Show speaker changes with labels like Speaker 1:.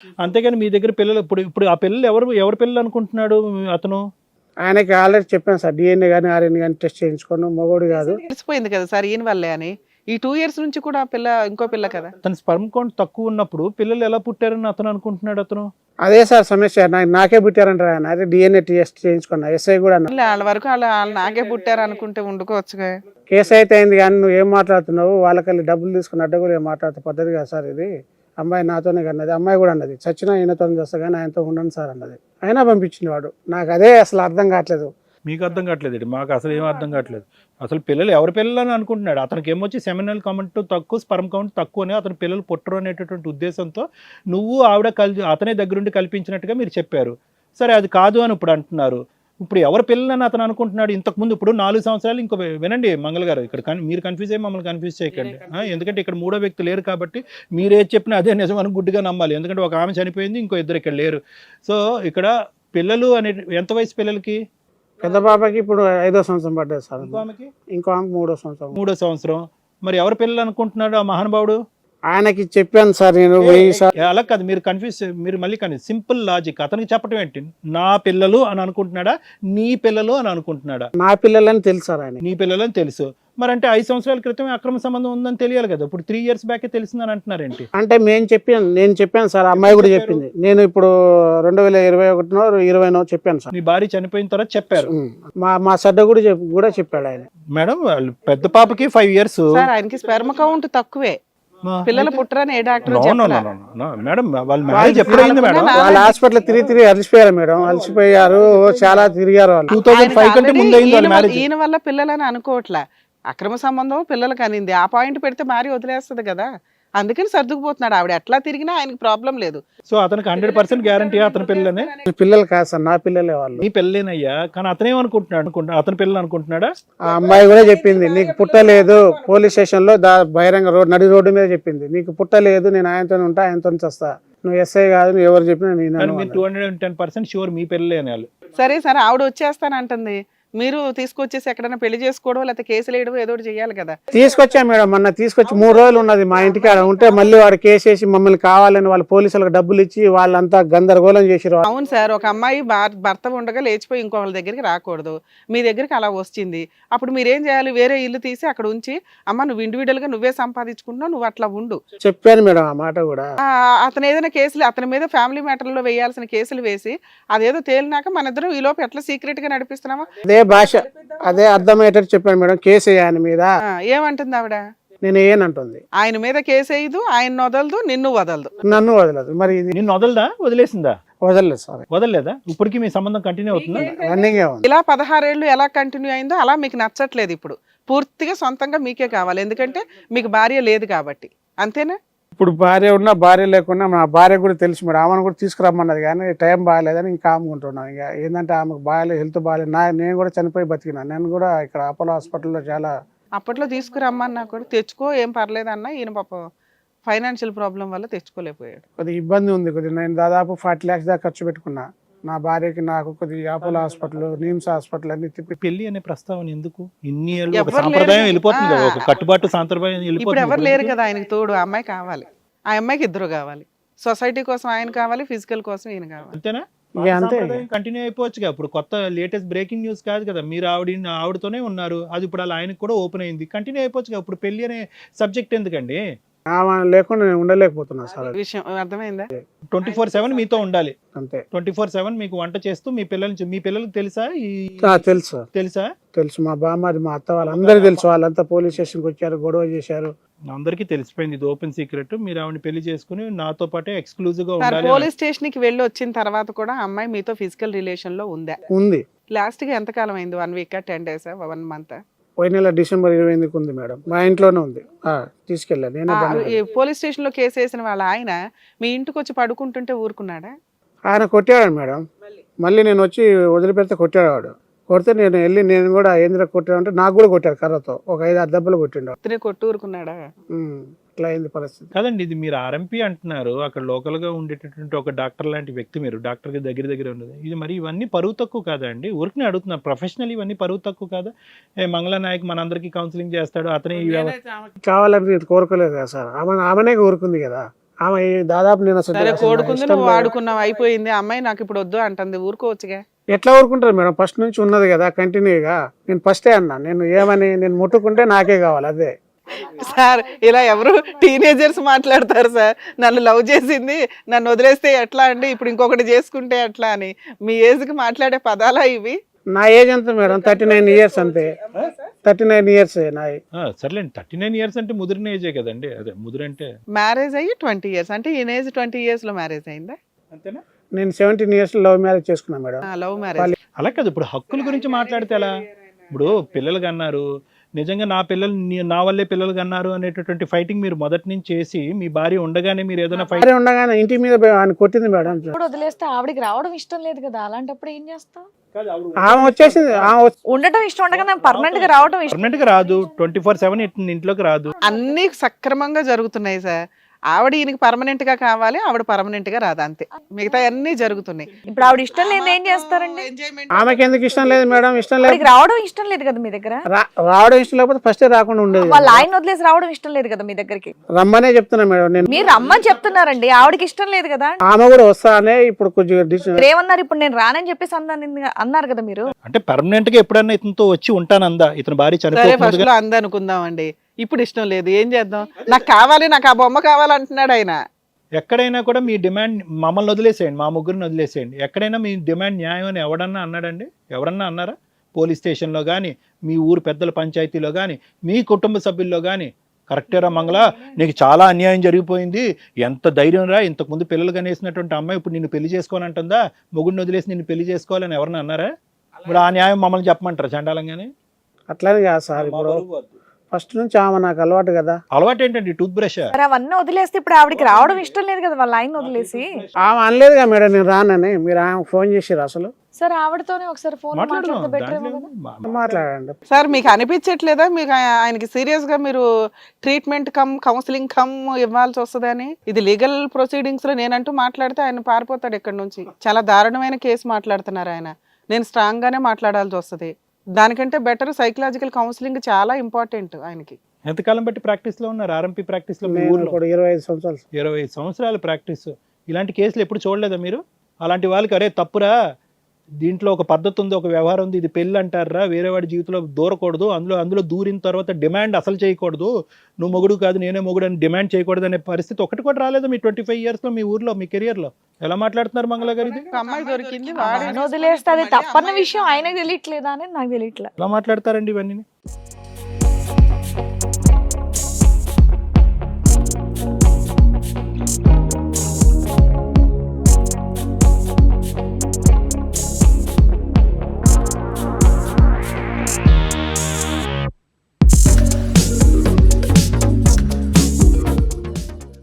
Speaker 1: అంతేగాని మీ దగ్గర పిల్లలు ఇప్పుడు ఇప్పుడు ఆ పిల్లలు ఎవరి పిల్లలు అనుకుంటున్నాడు అతను?
Speaker 2: ఆయనకి ఆల్రెడీ చెప్పాను సార్, డిఎన్ఏ కానీ ఆర్ఎన్ఏ కానీ టెస్ట్ చేయించుకోను, మగోడు కాదు.
Speaker 3: తెలిసిపోయింది కదా సార్ ఈయన వల్లే అని. ఈ 2 years నుంచి కూడా ఆ పిల్ల ఇంకో పిల్ల కదా.
Speaker 1: తన స్పర్మ్ కౌంట్ తక్కువ ఉన్నప్పుడు పిల్లలు ఎలా పుట్టారని అతను అనుకుంటున్నాడు అతను?
Speaker 2: అదే సార్ సమస్య, నాకే పుట్టారంటారు ఆయన. అదే డిఎన్ఏ టెస్ట్ చేయించుకున్నా, ఎస్ఐ కూడా అన్నా.
Speaker 3: వాళ్ళ వరకు వాళ్ళు నాకే పుట్టారు అనుకుంటే వండుకోవచ్చుగా.
Speaker 2: కేసు అయితే అయింది కానీ నువ్వు ఏం మాట్లాడుతున్నావు, వాళ్ళకెళ్ళి డబ్బులు తీసుకుని అడ్డ కూడా ఏం మాట్లాడుతూ పద్ధతి కదా సార్ ఇది. అమ్మాయి నాతోనే అన్నది, అమ్మాయి కూడా అన్నది చచ్చినా ఈయనతో చేస్తా కానీ ఆయనతో ఉండను సార్ అన్నది. అయినా పంపించింది వాడు. నాకు అదే అసలు అర్థం కావట్లేదు.
Speaker 1: మీకు అర్థం కావట్లేదు, మాకు అసలు ఏం అర్థం కావట్లేదు. అసలు పిల్లలు ఎవరి పిల్లలు అని అనుకుంటున్నాడు. అతనికి ఏమొచ్చి సెమినల్ కౌంట్ తక్కువ, స్పర్మ్ కౌంట్ తక్కువ అని అతని పిల్లలు పుట్టరు అనేటటువంటి ఉద్దేశంతో నువ్వు ఆవిడ అతనే దగ్గరుండి కల్పించినట్టుగా మీరు చెప్పారు. సరే అది కాదు అని ఇప్పుడు అంటున్నారు. ఇప్పుడు ఎవరి పిల్లలని అతను అనుకుంటున్నాడు? ఇంతకుముందు ఇప్పుడు 4 సంవత్సరాలు ఇంకో వినండి మంగళ గారు, ఇక్కడ మీరు కన్ఫ్యూజ్ అయ్యి మమ్మల్ని కన్ఫ్యూజ్ చేయకండి. ఎందుకంటే ఇక్కడ 3వ వ్యక్తి లేరు కాబట్టి మీరు ఏది చెప్పినా అదే నిజం అని గుడ్డిగా నమ్మాలి. ఎందుకంటే ఒక ఆమె చనిపోయింది, ఇంకో 2 ఇక్కడ లేరు. సో ఇక్కడ పిల్లలు అనే ఎంత వయసు పిల్లలకి?
Speaker 2: పెద్ద పాపకి ఇప్పుడు 5వ సంవత్సరం పడ్డది సార్.
Speaker 1: ఇంకో ఆమెకి?
Speaker 2: ఇంకో ఆమెకి 3వ సంవత్సరం.
Speaker 1: 3వ సంవత్సరం. మరి ఎవరి పిల్లలు అనుకుంటున్నాడు ఆ మహానుభావుడు?
Speaker 2: ఆయనకి చెప్పాను సార్ నేను
Speaker 1: అలా కాదు, మీరు కన్ఫ్యూజ్, మీరు మళ్ళీ సింపుల్ లాజిక్. అతనికి చెప్పడం ఏంటి? నా పిల్లలు అని అనుకుంటున్నాడా, నీ పిల్లలు అని అనుకుంటున్నాడా?
Speaker 2: నా పిల్లలని తెలుసు సార్ ఆయన.
Speaker 1: నీ పిల్లలని తెలుసు. మరి అంటే 5 సంవత్సరాల క్రితం అక్రమ సంబంధం ఉందని తెలియాలి కదా. ఇప్పుడు 3 years బ్యాకే తెలిసిందని అంటున్నారేంటి?
Speaker 2: అంటే నేను చెప్పాను సార్, అమ్మాయి కూడా చెప్పింది. నేను ఇప్పుడు 2021-20 చెప్పాను సార్.
Speaker 1: నీ భార్య చనిపోయిన తర్వాత చెప్పారు.
Speaker 2: మా సడ్డ కూడా చెప్పాడు ఆయన.
Speaker 1: మేడం వాళ్ళు పెద్ద పాపకి 5 years.
Speaker 3: సార్ ఆయనకి స్పెర్మ్ కౌంట్ తక్కువే, పిల్లలు పుట్టరని ఏ డాక్టర్
Speaker 1: మేడం వాళ్ళ మ్యారేజ్ ఎప్పుడైంది మేడం?
Speaker 2: వాళ్ళ హాస్పిటల్ తిరిగి అలసిపోయారు మేడం, అలసిపోయారు, చాలా తిరిగారు వాళ్ళు.
Speaker 1: 2005 కంటే ముందు అయింది వాళ్ళ మ్యారేజ్.
Speaker 3: ఈయన వల్ల పిల్లలని అనుకోవట్లే, అక్రమ సంబంధం పిల్లలకి అనింది. ఆ పాయింట్ పెడితే భార్య వదిలేస్తుంది కదా, అందుకని సర్దుకుపోతున్నాడు. ఆవిడ ఎట్లా తిరిగినా ఆయనకి ప్రాబ్లం లేదు.
Speaker 1: సో అతనికి 100% గ్యారంటీ అతని పిల్లనే?
Speaker 2: పిల్లలు కాదు సార్, నా పిల్లలే వాళ్ళు.
Speaker 1: నీ పిల్లలేనయ్యా, కానీ అతనేమనుకుంటున్నాడు? అతని పిల్లలు అనుకుంటున్నాడా?
Speaker 2: ఆ అమ్మాయి కూడా చెప్పింది, నీకు పుట్టలేదు. పోలీస్ స్టేషన్ లో బహిరంగ నడి రోడ్డు మీద చెప్పింది, నీకు పుట్టలేదు, నేను ఆయనతో ఉంటా, ఆయనతో చస్తా, నువ్వు ఎస్ఐ కాదు, నువ్వు ఎవరు చెప్పినా నేను.
Speaker 1: 210% షూర్ మీ పిల్లలే అనాలి.
Speaker 3: సరే సరే, ఆవిడ వచ్చేస్తానంటుంది, మీరు తీసుకొచ్చేసి ఎక్కడైనా పెళ్లి చేసుకోవడం లేకపోతే కేసులు వేయడం ఏదో ఒకటి చేయాలి కదా.
Speaker 2: తీసుకొచ్చా మేడం, మొన్న తీసుకొచ్చి 3 రోజులు ఉన్నది మా ఇంటికి. ఆడ ఉంటే మళ్ళీ వాడు కేసు వేసి మమ్మల్ని కావాలని వాళ్ళ పోలీసులకు డబ్బులు ఇచ్చి వాళ్ళంతా గందరగోళం చేసిరు.
Speaker 3: అవును సార్, ఒక అమ్మాయి భర్త ఉండగా లేచిపోయి ఇంకో వాళ్ళ దగ్గరికి రాకూడదు, మీ దగ్గరికి అలా వచ్చింది. అప్పుడు మీరేం చేయాలి? వేరే ఇల్లు తీసి అక్కడ ఉంచి, అమ్మ నువ్వు ఇండివిడువల్ గా నువ్వే సంపాదించుకుంటున్నావు, నువ్వు అట్లా ఉండు.
Speaker 2: చెప్పాను మేడం ఆ మాట కూడా.
Speaker 3: అతను ఏదైనా కేసులు, అతని మీద ఫ్యామిలీ మ్యాటర్లో వేయాల్సిన కేసులు వేసి అదేదో తేలినాక మన ఇద్దరం ఈ లోపు ఎట్లా సీక్రెట్ గా నడిపిస్తున్నామా?
Speaker 2: అదే భాష, అదే అర్థమయ్యేటట్టు చెప్పాను మేడం. కేసు ఆయన మీద.
Speaker 3: ఏమంటుంది ఆవిడ?
Speaker 2: నేను ఏనంటుంది,
Speaker 3: ఆయన మీద కేసు వేయదు, ఆయన వదలదు, నిన్ను వదలదు.
Speaker 2: నన్ను వదలదు. మరి ఇది
Speaker 1: నిన్ను వదలదా? వదిలేసిందా?
Speaker 2: వదలలేదు సార్.
Speaker 1: వదలలేదా? ఇప్పటికీ మీ సంబంధం కంటిన్యూ అవుతుందా?
Speaker 2: రన్నింగ్ ఉంది.
Speaker 3: ఇలా 16 ఏళ్ళు ఎలా కంటిన్యూ అయిందో అలా మీకు నచ్చట్లేదు ఇప్పుడు. పూర్తిగా సొంతంగా మీకే కావాలి, ఎందుకంటే మీకు భార్య లేదు కాబట్టి. అంతేనా?
Speaker 2: ఇప్పుడు భార్య ఉన్నా భార్య లేకున్నా మా భార్య కూడా తెలుసు మేడం. ఆమెను కూడా తీసుకురమ్మన్నది కానీ టైం బాగాలేదని ఇంకా ఆముకుంటున్నాం. ఇంకా ఏంటంటే ఆమెకు బాగాలేదు, హెల్త్ బాగాలేదు. నేను కూడా చనిపోయి బతికినా. నేను కూడా ఇక్కడ అపోలో హాస్పిటల్లో చాలా
Speaker 3: అప్పట్లో తీసుకురమ్మన్నా కూడా తెచ్చుకో, ఏం పర్లేదన్నా. ఈయన పాప ఫైనాన్షియల్ ప్రాబ్లం వల్ల తెచ్చుకోలేకపోయాడు.
Speaker 2: కొద్దిగా ఇబ్బంది ఉంది. కొద్దిగా నేను దాదాపు 40 lakhs దాకా ఖర్చు పెట్టుకున్నా. నా భార్యకి నాకు కొద్దిగా అపోలో హాస్పిటల్, నిమ్స్ హాస్పిటల్ అన్ని తిప్పి.
Speaker 1: పెళ్లి అనే ప్రస్తావన ఎందుకు? ఇన్ని ఏళ్ళు ఒక సాంప్రదాయం వెళ్ళిపోతుంది కదా, ఒక కట్టుబాటు సాంప్రదాయం
Speaker 3: ఇప్పుడు
Speaker 1: వెళ్ళిపోతుంది.
Speaker 3: ఎవరు లేరు కదా ఆయనకి తోడు. ఆ అమ్మాయి కావాలి, ఆ అమ్మాయికి ఇద్దరు కావాలి. సొసైటీ కోసం ఆయన కావాలి, ఫిజికల్ కోసం ఈయన కావాలి.
Speaker 1: అంతేనా?
Speaker 2: ఇక అంతే.
Speaker 1: కంటిన్యూ అయిపోవచ్చుగా. ఇప్పుడు కొత్త లేటెస్ట్ బ్రేకింగ్ న్యూస్ కాదు కదా, మీరు ఆవిడతోనే ఉన్నారు, అది ఇప్పుడు అలా ఆయనకు కూడా ఓపెన్ అయింది. కంటిన్యూ అయిపోవచ్చుగా. ఇప్పుడు పెళ్లి అనే సబ్జెక్ట్ ఎందుకండి?
Speaker 2: ఆమె లేకుండా నేను ఉండలేకపోతున్నా సార్.
Speaker 3: విషయం అర్థమైందా?
Speaker 1: 24/7 మీతో ఉండాలి.
Speaker 2: అంతే.
Speaker 1: 24/7 మీకు వంట చేస్తూ మీ పిల్లలకి తెలుసా?
Speaker 2: తెలుసు
Speaker 1: తెలుసా?
Speaker 2: తెలుసు. మా బామ్మది, మా అత్త వాళ్ళందరూ తెలుసు. వాళ్ళంతా పోలీస్ స్టేషన్కి వచ్చారు, గొడవ చేశారు.
Speaker 1: అందరికీ తెలిసిపోయింది, ఇది ఓపెన్ సీక్రెట్. మీరు ఆవిడ పెళ్లి చేసుకుని నాతో పాటే ఎక్స్క్లూజివ్ గా ఉండాలి.
Speaker 3: పోలీస్ స్టేషన్ కి వెళ్ళి వచ్చిన తర్వాత కూడా అమ్మాయి మీతో ఫిజికల్ రిలేషన్ లో ఉందా?
Speaker 2: ఉంది.
Speaker 3: లాస్ట్ గా ఎంత కాలం అయింది? 1 week 10 days 1 month?
Speaker 2: పోయిన నెల December 28కి ఉంది మేడం. మా ఇంట్లోనే ఉంది. తీసుకెళ్ళా నేనే.
Speaker 3: పోలీస్ స్టేషన్ లో కేసు వేసిన వాళ్ళ ఆయన మీ ఇంటికి వచ్చి పడుకుంటుంటే ఊరుకున్నాడా?
Speaker 2: ఆయన కొట్టాడు మేడం. మళ్ళీ నేను వచ్చి వదిలిపెడితే కొట్టాడు వాడు. కొడితే నేను వెళ్ళి నేను కూడా ఏంద్ర కొట్టాడు అంటే నాకు కూడా కొట్టాడు కర్రతో. ఒక 5-6 దెబ్బలు కొట్టిండు.
Speaker 3: కొట్టు ఊరుకున్నాడా?
Speaker 2: ఇట్లా అయింది పరిస్థితి.
Speaker 1: కాదండి, ఇది మీరు ఆర్ఎంపీ అంటున్నారు, అక్కడ లోకల్ గా ఉండేటటువంటి ఒక డాక్టర్ లాంటి వ్యక్తి, మీరు డాక్టర్ కి దగ్గర ఉన్నది. ఇది మరి ఇవన్నీ పరువు తక్కువ కాదా అండి? ఊరికి అడుగుతున్నా, ప్రొఫెషనల్ ఇవన్నీ పరువు తక్కువ కాదా? మంగళ నాయక్ మనందరికీ కౌన్సిలింగ్ చేస్తాడు, అతనే
Speaker 2: కావాలని కోరుకోలేదు కదా సార్. ఆమెనే కోరుకుంది కదా. ఆమె దాదాపు నేను అసలు
Speaker 3: సరే
Speaker 2: అసలు నాకు
Speaker 3: కోడుకుంది
Speaker 2: ఇష్టం
Speaker 3: నువ్వు
Speaker 2: లేదు.
Speaker 3: వాడుకున్నావు అయిపోయింది, అమ్మాయి నాకు ఇప్పుడు వద్దు అంటుంది, ఊరుకోవచ్చుగా.
Speaker 2: ఎట్లా ఊరుకుంటారు మేడం, ఫస్ట్ నుంచి ఉన్నది కదా కంటిన్యూగా. నేను ఫస్టే అన్నా, నేను ఏమని నేను ముట్టుకుంటే నాకే కావాలి అదే.
Speaker 3: సార్ ఇలా ఎవరు టీనేజర్స్ మాట్లాడతారు సార్, నన్ను లవ్ చేసింది నన్ను వదిలేస్తే ఎట్లా అండి, ఇప్పుడు ఇంకొకటి చేసుకుంటే ఎట్లా అని. మీ ఏజ్కి మాట్లాడే పదాలా ఇవి?
Speaker 2: నా ఏజ్ ఎంత మేడం, 39 ఇయర్స్ అంతే. 39 ఇయర్స్ నాయి.
Speaker 1: సర్లేండి, 39 ఇయర్స్ అంటే ముదిరిన ఏజే కదండి. అదే ముదిరంటే
Speaker 3: మ్యారేజ్ అయ్యి 20 ఇయర్స్ అంటే ఈ ఏజ్ 20 years లో మ్యారేజ్ అయిందా?
Speaker 1: అంతేనా?
Speaker 2: నేను 17 ఇయర్స్ లవ్ మ్యారేజ్ చేసుకున్నా మేడం.
Speaker 3: Love marriage.
Speaker 1: అలా కాదు, ఇప్పుడు హక్కుల గురించి మాట్లాడితే ఎలా? ఇప్పుడు పిల్లలు కన్నారు, నిజంగా నా పిల్లలు నా వల్లే పిల్లలు కన్నారు అనేటటువంటి ఫైటింగ్ మీరు మొదటి నుంచి చేసి మీ భార్య ఉండగానే మీరు ఏదైనా ఫైట్
Speaker 2: భార్య ఉండగానే ఇంటి మీద ఆయన కొట్టింది మేడం.
Speaker 4: ఇప్పుడు వదిలేస్తే ఆవిడకి రావడం ఇష్టం లేదు కదా, అలాంటప్పుడు ఏం చేస్తావు?
Speaker 2: ఆమె వచ్చేసింది,
Speaker 4: ఉండటం ఇష్టం ఉండగా పర్మనెంట్ గా రావడం ఇష్టం.
Speaker 1: పర్మనెంట్ గా రాదు, 24/7 ఇంట్లోకి రాదు.
Speaker 3: అన్ని సక్రమంగా జరుగుతున్నాయి సార్. ఆవిడ ఈయనకి పర్మనెంట్ గా కావాలి, ఆవిడ పర్మనెంట్ గా రాదు, అంతే. మిగతా అన్ని జరుగుతున్నాయి.
Speaker 4: ఇప్పుడు ఆవిడ ఇష్టం లేదు ఏం చేస్తారండి?
Speaker 2: ఆమెకి ఎందుకు ఇష్టం లేదు మేడం? ఇష్టం లేదు,
Speaker 4: ఆవిడకి రావడం ఇష్టం లేదు కదా మీ దగ్గర.
Speaker 2: రావడం ఇష్టం లేకపోతే ఫస్టే రాకుండా ఉండేది.
Speaker 4: వాళ్ళ ఆయన వదిలేసి రావడం ఇష్టం లేదు కదా మీ దగ్గరికి.
Speaker 2: రమ్మనే చెప్తున్నా మేడం నేను.
Speaker 4: మీరు రమ్మని చెప్తున్నారండి, ఆవిడకి ఇష్టం లేదు కదా.
Speaker 2: ఆమె కూడా వస్తానే ఇప్పుడు కొంచెం
Speaker 4: మీరు ఏమన్నారు, ఇప్పుడు నేను రానని చెప్పేసి అన్నారు కదా మీరు.
Speaker 1: అంటే పర్మనెంట్ గా ఎప్పుడన్నా ఇతనితో వచ్చి ఉంటానందా? ఇతని భార్య
Speaker 3: సరే
Speaker 1: చనిపోతుంది
Speaker 3: ఫస్ట్ లో అందనుకుందాం అండి, ఇప్పుడు ఇష్టం లేదు, ఏం చేద్దాం? నాకు కావాలి, నాకు ఆ బొమ్మ కావాలంటున్నాడు ఆయన.
Speaker 1: ఎక్కడైనా కూడా మీ డిమాండ్ మమ్మల్ని వదిలేసేయండి, మా ముగ్గురిని వదిలేసేయండి, ఎక్కడైనా మీ డిమాండ్ న్యాయం అని ఎవడన్నా అన్నాడండి? ఎవరన్నా అన్నారా? పోలీస్ స్టేషన్లో కానీ, మీ ఊరు పెద్దల పంచాయతీలో కానీ, మీ కుటుంబ సభ్యుల్లో కానీ కరెక్టేరా మంగళ, నీకు చాలా అన్యాయం జరిగిపోయింది, ఎంత ధైర్యం రా, ఇంతకుముందు పిల్లలు కనేసినటువంటి అమ్మాయి ఇప్పుడు నిన్ను పెళ్లి చేసుకోవాలంటుందా, మొగుడిని వదిలేసి నిన్ను పెళ్లి చేసుకోవాలని ఎవరన్నా అన్నారా? ఇప్పుడు ఆ న్యాయం మమ్మల్ని చెప్పమంటారా చండాలంగానే?
Speaker 2: అట్లనే కాదు సార్, ఇప్పుడు ఫస్ట్ నుంచి ఆమె నాకు అలవాటు కదా.
Speaker 1: అలవాటు ఏంటండి? Tooth brush.
Speaker 4: మరి అవన్నీ వదిలేస్తే ఇప్పుడు ఆవిడకి రావడం ఇష్టం లేదు కదా వాళ్ళ ఆయన వదిలేసి.
Speaker 2: ఆమె అనలేదుగా మేడం నేను రానని. మీరు ఆమె ఫోన్ చేసిర్రు అసలు?
Speaker 4: సరే ఆవిడతోనే ఒకసారి ఫోన్ మాట్లాడితే బెటర్ ఏమో కదా.
Speaker 2: మాట్లాడండి
Speaker 3: సార్ మీకు అనిపించట్లేదా మీకు ఆయనకి సీరియస్ గా మీరు ట్రీట్మెంట్ కౌన్సిలింగ్ ఇవ్వాల్సి వస్తుందని? ఇది లీగల్ ప్రొసీడింగ్స్ లో నేనంటూ మాట్లాడితే ఆయన పారిపోతాడు ఇక్కడ నుంచి. చాలా దారుణమైన కేసు మాట్లాడుతున్నారు ఆయన. నేను స్ట్రాంగ్ గానే మాట్లాడాల్సి వస్తుంది. దానికంటే బెటర్ సైకలాజికల్ కౌన్సిలింగ్ చాలా ఇంపార్టెంట్ ఆయనకి.
Speaker 1: ఎంతకాలం బట్టి ప్రాక్టీస్ లో ఉన్నారు? ఆర్ఎంపీ ప్రాక్టీస్ లో?
Speaker 2: నేను ఇప్పుడు 25 సంవత్సరాలు.
Speaker 1: 25 సంవత్సరాల ప్రాక్టీస్. ఇలాంటి కేసులు ఎప్పుడు చూడలేదా మీరు? అలాంటి వాళ్ళకి అరే తప్పురా, దీంట్లో ఒక పద్ధతి ఉంది, ఒక వ్యవహారం ఉంది, ఇది పెళ్ళి అంటారా, వేరే వాడి జీవితంలో దూరకూడదు, అందులో దూరిన తర్వాత డిమాండ్ అసలు చేయకూడదు, నువ్వు మొగుడు కాదు నేనే మొగుడు అని డిమాండ్ చేయకూడదు అనే పరిస్థితి ఒకటి కూడా రాలేదు మీ 25 years లో, మీ ఊర్లో, మీ కెరియర్ లో? ఎలా మాట్లాడుతున్నారు మంగళ గారు? ఇది
Speaker 3: ఒక అమ్మాయి దొరికింది,
Speaker 4: వదిలేస్తే అది తప్పన్న విషయం ఆయనకు తెలియట్లేదా అని నాకు తెలియట్లేదు.
Speaker 1: ఎలా మాట్లాడతారండి ఇవన్నీ?